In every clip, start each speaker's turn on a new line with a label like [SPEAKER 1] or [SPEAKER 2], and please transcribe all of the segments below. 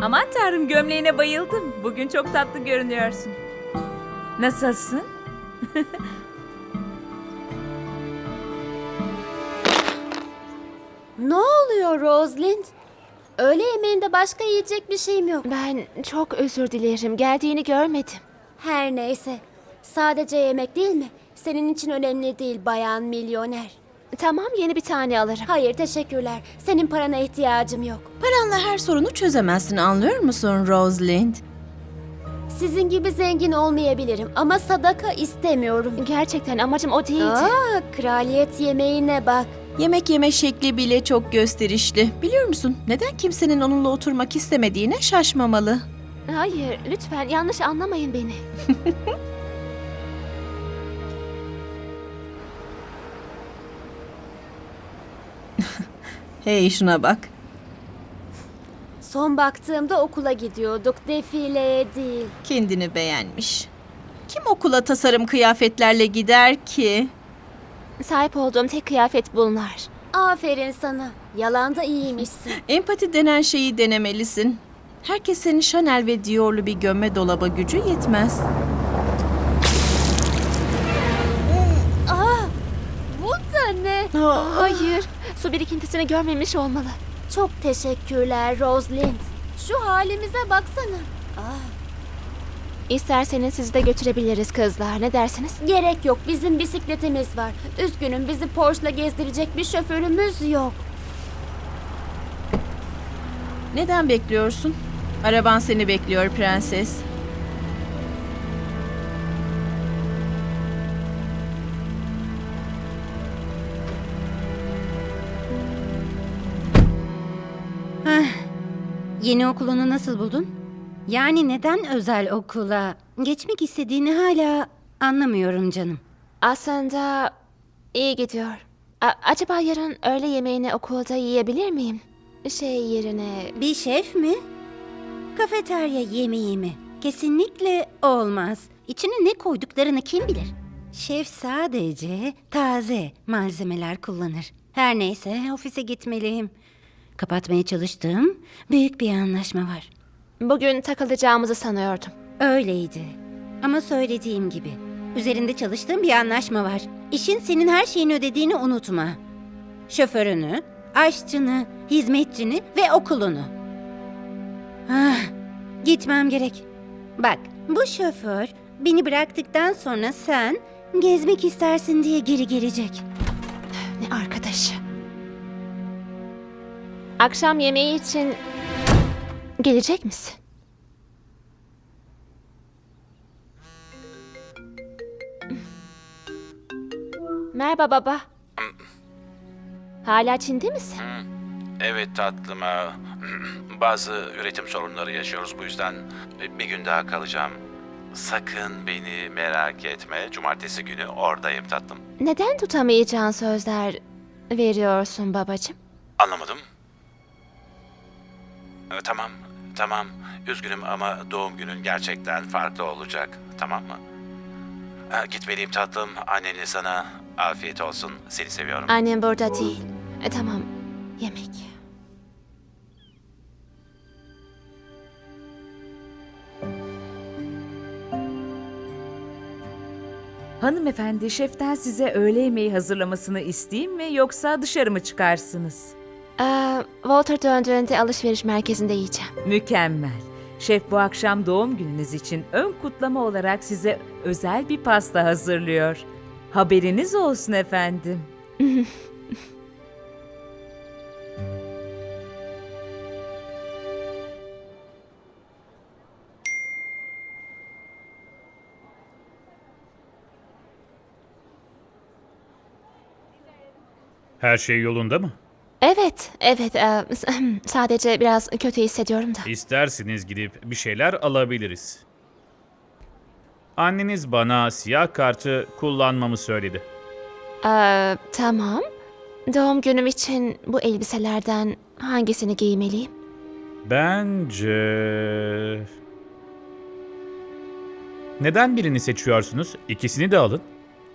[SPEAKER 1] Aman tanrım, gömleğine bayıldım. Bugün çok tatlı görünüyorsun. Nasılsın?
[SPEAKER 2] Ne oluyor Rosalind? Öğle yemeğinde başka yiyecek bir şeyim yok.
[SPEAKER 3] Ben çok özür dilerim. Geldiğini görmedim.
[SPEAKER 2] Her neyse. Sadece yemek değil mi? Senin için önemli değil bayan milyoner.
[SPEAKER 3] Tamam, yeni bir tane alırım.
[SPEAKER 2] Hayır teşekkürler. Senin parana ihtiyacım yok.
[SPEAKER 4] Paranla her sorunu çözemezsin, anlıyor musun Rosalind?
[SPEAKER 2] Sizin gibi zengin olmayabilirim ama sadaka istemiyorum.
[SPEAKER 3] Gerçekten amacım o değildi.
[SPEAKER 2] Kraliyet yemeğine bak.
[SPEAKER 4] Yemek yeme şekli bile çok gösterişli. Biliyor musun, neden kimsenin onunla oturmak istemediğine şaşmamalı.
[SPEAKER 3] Hayır, lütfen yanlış anlamayın beni.
[SPEAKER 4] Hey, şuna bak.
[SPEAKER 2] Son baktığımda okula gidiyorduk, defileye değil.
[SPEAKER 4] Kendini beğenmiş. Kim okula tasarım kıyafetlerle gider ki?
[SPEAKER 3] Sahip olduğum tek kıyafet bunlar.
[SPEAKER 2] Aferin sana. Yalanda iyiymişsin.
[SPEAKER 4] Empati denen şeyi denemelisin. Herkesin Chanel ve Dior'lu bir gömme dolaba gücü yetmez.
[SPEAKER 2] Bu da ne?
[SPEAKER 3] Hayır, su birikintisini görmemiş olmalı.
[SPEAKER 2] Çok teşekkürler Rosalind. Şu halimize baksana.
[SPEAKER 3] İsterseniz sizi de götürebiliriz kızlar. Ne dersiniz?
[SPEAKER 2] Gerek yok. Bizim bisikletimiz var. Üzgünüm, bizi Porsche'la gezdirecek bir şoförümüz yok.
[SPEAKER 4] Neden bekliyorsun? Araban seni bekliyor prenses.
[SPEAKER 5] Yeni okulunu nasıl buldun? Yani neden özel okula geçmek istediğini hala anlamıyorum canım.
[SPEAKER 3] Aslında iyi gidiyor. Acaba yarın öğle yemeğini okulda yiyebilir miyim? Şey yerine...
[SPEAKER 5] Bir şef mi? Kafeterya yemeği mi? Kesinlikle olmaz. İçine ne koyduklarını kim bilir? Şef sadece taze malzemeler kullanır. Her neyse ofise gitmeliyim. Kapatmaya çalıştığım büyük bir anlaşma var.
[SPEAKER 3] Bugün takılacağımızı sanıyordum.
[SPEAKER 5] Öyleydi. Ama söylediğim gibi üzerinde çalıştığım bir anlaşma var. İşin senin her şeyini ödediğini unutma. Şoförünü, aşçını, hizmetçini ve okulunu. Gitmem gerek. Bak, bu şoför beni bıraktıktan sonra sen gezmek istersin diye geri gelecek.
[SPEAKER 3] Ne arkadaşı. Akşam yemeği için gelecek misin? Merhaba baba. Hala Çin'de misin?
[SPEAKER 6] Evet tatlım. Bazı üretim sorunları yaşıyoruz, bu yüzden bir gün daha kalacağım. Sakın beni merak etme. Cumartesi günü oradayım tatlım.
[SPEAKER 3] Neden tutamayacağın sözler veriyorsun babacığım?
[SPEAKER 6] Anlamadım. Tamam. Üzgünüm ama doğum günün gerçekten farklı olacak. Tamam mı? Gitmeliyim tatlım. Annenle sana afiyet olsun. Seni seviyorum.
[SPEAKER 3] Annem burada değil. Tamam, yemek.
[SPEAKER 1] Hanımefendi, şeften size öğle yemeği hazırlamasını isteyeyim mi yoksa dışarı mı çıkarsınız?
[SPEAKER 3] Walter döndüğünde alışveriş merkezinde yiyeceğim.
[SPEAKER 1] Mükemmel. Şef bu akşam doğum gününüz için ön kutlama olarak size özel bir pasta hazırlıyor. Haberiniz olsun efendim.
[SPEAKER 7] Her şey yolunda mı?
[SPEAKER 3] Evet. Sadece biraz kötü hissediyorum da.
[SPEAKER 7] İsterseniz gidip bir şeyler alabiliriz. Anneniz bana siyah kartı kullanmamı söyledi.
[SPEAKER 3] Tamam. Doğum günüm için bu elbiselerden hangisini giymeliyim?
[SPEAKER 7] Bence... Neden birini seçiyorsunuz? İkisini de alın.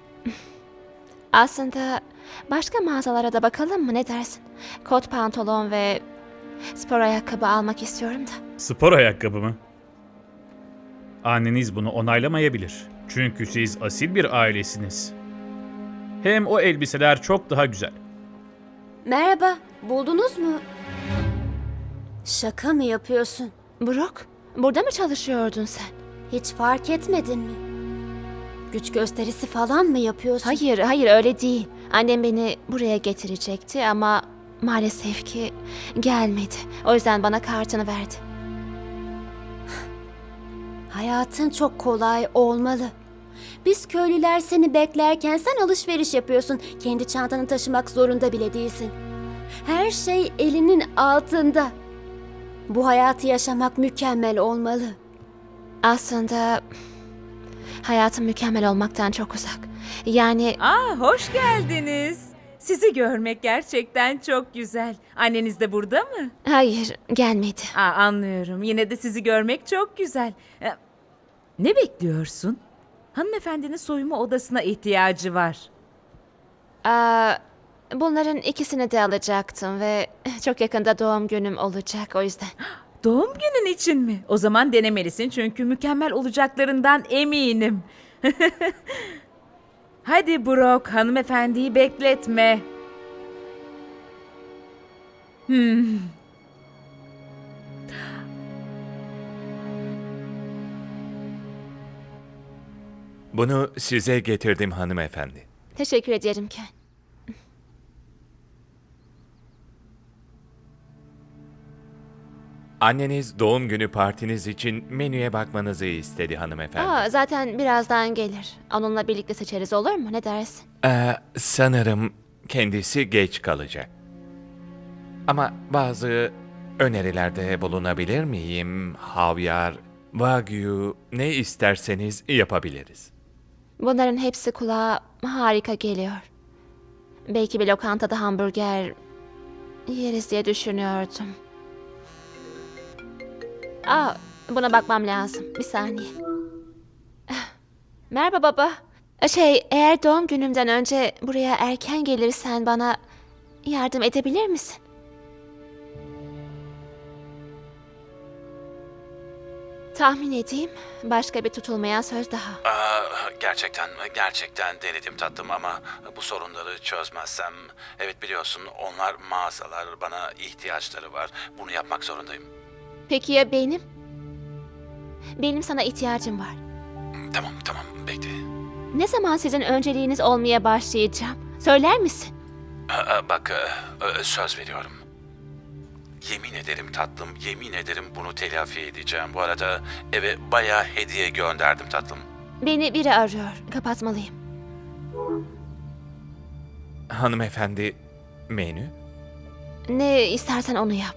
[SPEAKER 3] Aslında başka mağazalara da bakalım mı, ne dersin? Kot pantolon ve spor ayakkabı almak istiyorum da.
[SPEAKER 7] Spor ayakkabı mı? Anneniz bunu onaylamayabilir. Çünkü siz asil bir ailesiniz. Hem o elbiseler çok daha güzel.
[SPEAKER 2] Merhaba, buldunuz mu? Şaka mı yapıyorsun?
[SPEAKER 3] Brooke, burada mı çalışıyordun sen?
[SPEAKER 2] Hiç fark etmedin mi? Güç gösterisi falan mı yapıyorsun?
[SPEAKER 3] Hayır, hayır öyle değil. Annem beni buraya getirecekti ama maalesef ki gelmedi. O yüzden bana kartını verdi.
[SPEAKER 2] Hayatın çok kolay olmalı. Biz köylüler seni beklerken sen alışveriş yapıyorsun. Kendi çantanı taşımak zorunda bile değilsin. Her şey elinin altında. Bu hayatı yaşamak mükemmel olmalı.
[SPEAKER 3] Aslında hayatım mükemmel olmaktan çok uzak. Yani
[SPEAKER 1] Hoş geldiniz. Sizi görmek gerçekten çok güzel. Anneniz de burada mı?
[SPEAKER 3] hayır, gelmedi.
[SPEAKER 1] Anlıyorum. Yine de sizi görmek çok güzel. Ne bekliyorsun? Hanımefendinin soyunma odasına ihtiyacı var.
[SPEAKER 3] Bunların ikisini de alacaktım ve çok yakında doğum günüm olacak o yüzden.
[SPEAKER 1] Doğum günün için mi? O zaman denemelisin çünkü mükemmel olacaklarından eminim. Hadi Brock, hanımefendiyi bekletme.
[SPEAKER 8] Bunu size getirdim hanımefendi.
[SPEAKER 3] Teşekkür ederim Ken.
[SPEAKER 8] Anneniz doğum günü partiniz için menüye bakmanızı istedi hanımefendi.
[SPEAKER 3] Zaten birazdan gelir. Onunla birlikte seçeriz olur mu? Ne dersin?
[SPEAKER 8] Sanırım kendisi geç kalacak. Ama bazı önerilerde bulunabilir miyim? Havyar, wagyu, ne isterseniz yapabiliriz.
[SPEAKER 3] Bunların hepsi kulağa harika geliyor. Belki bir lokantada hamburger yeriz diye düşünüyordum. Buna bakmam lazım. Bir saniye. Merhaba baba. Eğer doğum günümden önce buraya erken gelirsen bana yardım edebilir misin? Tahmin edeyim. Başka bir tutulmayan söz daha.
[SPEAKER 6] Gerçekten denedim tatlım ama bu sorunları çözmezsem... Evet biliyorsun onlar mağazalar, bana ihtiyaçları var. Bunu yapmak zorundayım.
[SPEAKER 3] Peki ya benim? Benim sana ihtiyacım var.
[SPEAKER 6] Tamam bekle.
[SPEAKER 3] Ne zaman sizin önceliğiniz olmaya başlayacağım? Söyler misin?
[SPEAKER 6] Bak söz veriyorum. Yemin ederim tatlım, yemin ederim bunu telafi edeceğim. Bu arada eve bayağı hediye gönderdim tatlım.
[SPEAKER 3] Beni biri arıyor. Kapatmalıyım.
[SPEAKER 8] Hanımefendi, menü?
[SPEAKER 3] Ne istersen onu yap.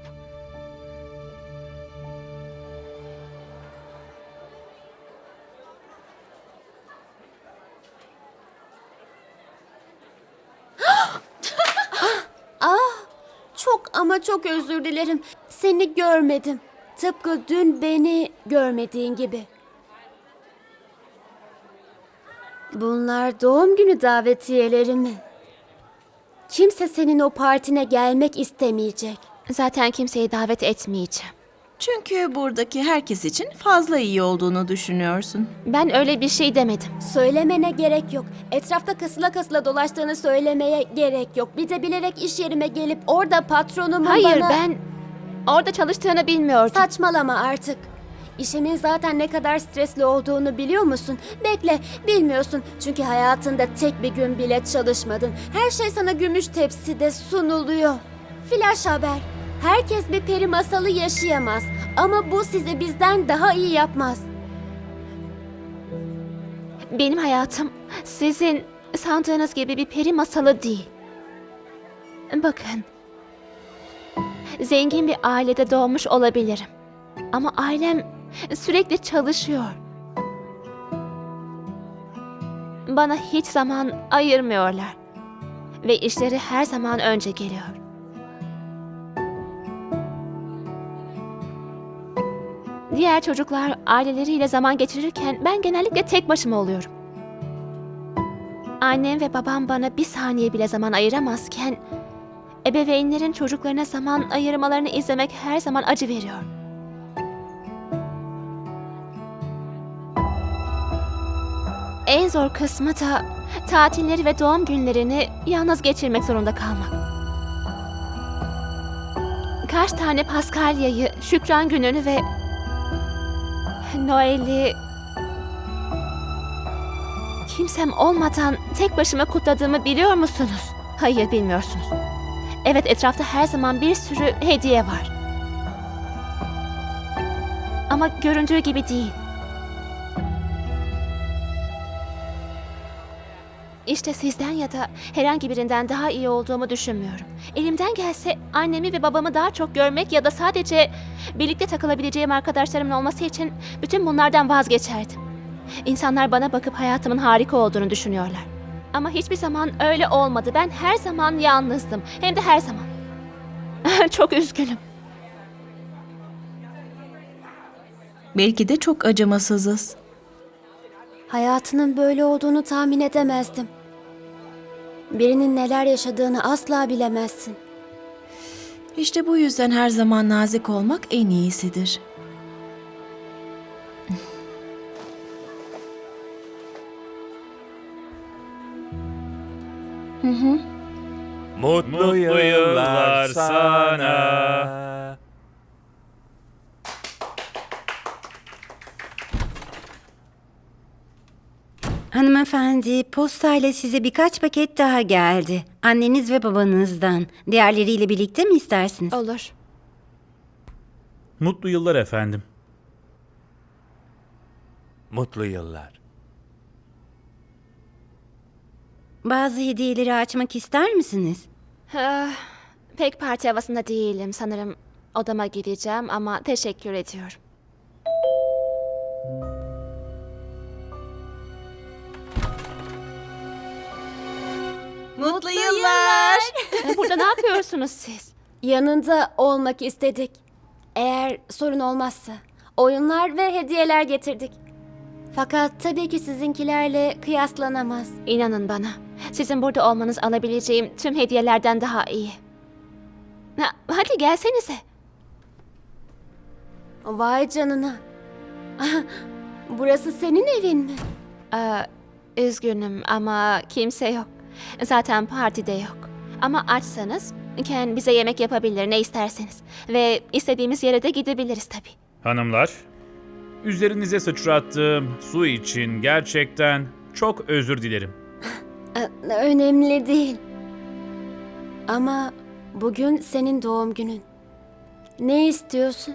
[SPEAKER 2] Çok ama çok özür dilerim. Seni görmedim. Tıpkı dün beni görmediğin gibi. Bunlar doğum günü davetiyeleri mi? Kimse senin o partine gelmek istemeyecek.
[SPEAKER 3] Zaten kimseyi davet etmeyeceğim.
[SPEAKER 4] Çünkü buradaki herkes için fazla iyi olduğunu düşünüyorsun.
[SPEAKER 3] Ben öyle bir şey demedim.
[SPEAKER 2] Söylemene gerek yok. Etrafta kasıla kasıla dolaştığını söylemeye gerek yok. Bir de bilerek iş yerime gelip orada patronumun
[SPEAKER 3] Hayır,
[SPEAKER 2] bana...
[SPEAKER 3] ben orada çalıştığını bilmiyordum.
[SPEAKER 2] Saçmalama artık. İşimin zaten ne kadar stresli olduğunu biliyor musun? Bekle, bilmiyorsun. Çünkü hayatında tek bir gün bile çalışmadın. Her şey sana gümüş tepside sunuluyor. Flash haber. Herkes bir peri masalı yaşayamaz. Ama bu sizi bizden daha iyi yapmaz.
[SPEAKER 3] Benim hayatım sizin sandığınız gibi bir peri masalı değil. Bakın. Zengin bir ailede doğmuş olabilirim. Ama ailem sürekli çalışıyor. Bana hiç zaman ayırmıyorlar. Ve işleri her zaman önce geliyor. Diğer çocuklar aileleriyle zaman geçirirken ben genellikle tek başıma oluyorum. Annem ve babam bana bir saniye bile zaman ayıramazken ebeveynlerin çocuklarına zaman ayırmalarını izlemek her zaman acı veriyor. en zor kısmı da tatilleri ve doğum günlerini yalnız geçirmek zorunda kalmak. Kaç tane Paskalya'yı, Şükran Günü'nü ve Noel'i kimsem olmadan tek başıma kutladığımı biliyor musunuz? Hayır, bilmiyorsunuz. Evet, etrafta her zaman bir sürü hediye var. Ama göründüğü gibi değil. İşte sizden ya da herhangi birinden daha iyi olduğumu düşünmüyorum. Elimden gelse annemi ve babamı daha çok görmek ya da sadece birlikte takılabileceğim arkadaşlarımın olması için bütün bunlardan vazgeçerdim. İnsanlar bana bakıp hayatımın harika olduğunu düşünüyorlar. Ama hiçbir zaman öyle olmadı. Ben her zaman yalnızdım. Hem de her zaman. Çok üzgünüm.
[SPEAKER 4] Belki de çok acımasızız.
[SPEAKER 2] Hayatının böyle olduğunu tahmin edemezdim. Birinin neler yaşadığını asla bilemezsin.
[SPEAKER 4] İşte bu yüzden her zaman nazik olmak en iyisidir.
[SPEAKER 8] Mutlu yıllar sana.
[SPEAKER 5] Hanımefendi, postayla size birkaç paket daha geldi. Anneniz ve babanızdan. Diğerleriyle birlikte mi istersiniz?
[SPEAKER 3] Olur.
[SPEAKER 7] Mutlu yıllar efendim.
[SPEAKER 8] Mutlu yıllar.
[SPEAKER 5] Bazı hediyeleri açmak ister misiniz?
[SPEAKER 3] Pek parti havasında değilim. Sanırım odama gideceğim ama teşekkür ediyorum.
[SPEAKER 4] Mutlu yıllar.
[SPEAKER 3] Burada ne yapıyorsunuz siz?
[SPEAKER 2] Yanında olmak istedik. Eğer sorun olmazsa. Oyunlar ve hediyeler getirdik. Fakat tabii ki sizinkilerle kıyaslanamaz.
[SPEAKER 3] İnanın bana. Sizin burada olmanız alabileceğim tüm hediyelerden daha iyi. Hadi gelsenize.
[SPEAKER 2] Vay canına. Burası senin evin mi?
[SPEAKER 3] Üzgünüm ama kimse yok. Zaten partide yok. Ama açsanız Ken bize yemek yapabilir ne isterseniz. Ve istediğimiz yere de gidebiliriz tabii.
[SPEAKER 7] Hanımlar, üzerinize sıçrattığım su için gerçekten çok özür dilerim.
[SPEAKER 2] Önemli değil. Ama bugün senin doğum günün. Ne istiyorsun?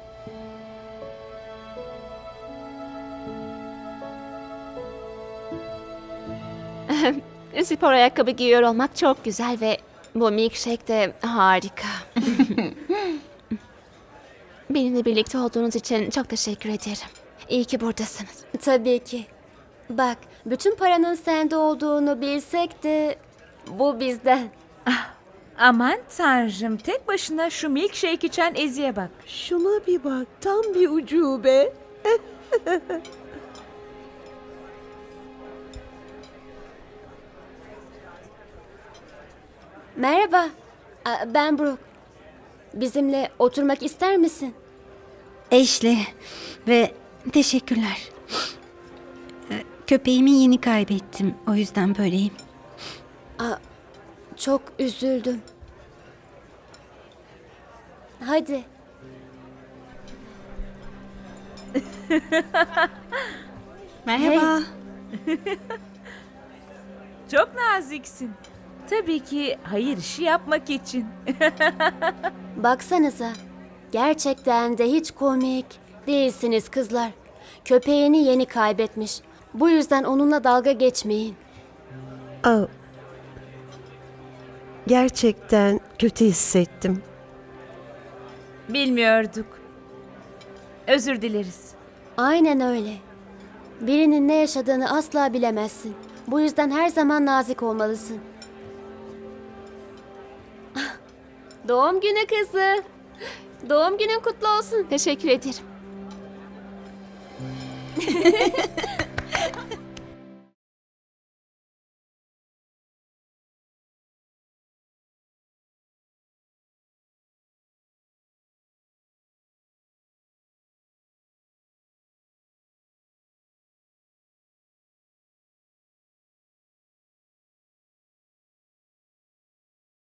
[SPEAKER 3] Spor ayakkabı giyiyor olmak çok güzel ve bu milkshake de harika. Benimle birlikte olduğunuz için çok teşekkür ederim. İyi ki buradasınız.
[SPEAKER 2] Tabii ki. Bak, bütün paranın sende olduğunu bilsek de bu bizden.
[SPEAKER 1] Aman tanrım, tek başına şu milkshake içen Ezi'ye bak.
[SPEAKER 9] Şuna bir bak, tam bir ucube.
[SPEAKER 2] Merhaba, ben Brooke. Bizimle oturmak ister misin?
[SPEAKER 5] Ashley ve teşekkürler. Köpeğimi yeni kaybettim. O yüzden böyleyim.
[SPEAKER 2] Çok üzüldüm. Hadi.
[SPEAKER 4] Merhaba.
[SPEAKER 1] Çok naziksin. Tabii ki hayır işi yapmak için.
[SPEAKER 2] Baksanıza. Gerçekten de hiç komik değilsiniz kızlar. Köpeğini yeni kaybetmiş. Bu yüzden onunla dalga geçmeyin.
[SPEAKER 9] Aa, gerçekten kötü hissettim.
[SPEAKER 1] Bilmiyorduk. Özür dileriz.
[SPEAKER 2] Aynen öyle. Birinin ne yaşadığını asla bilemezsin. Bu yüzden her zaman nazik olmalısın. Doğum günü kızı. Doğum günün kutlu olsun.
[SPEAKER 3] Teşekkür ederim.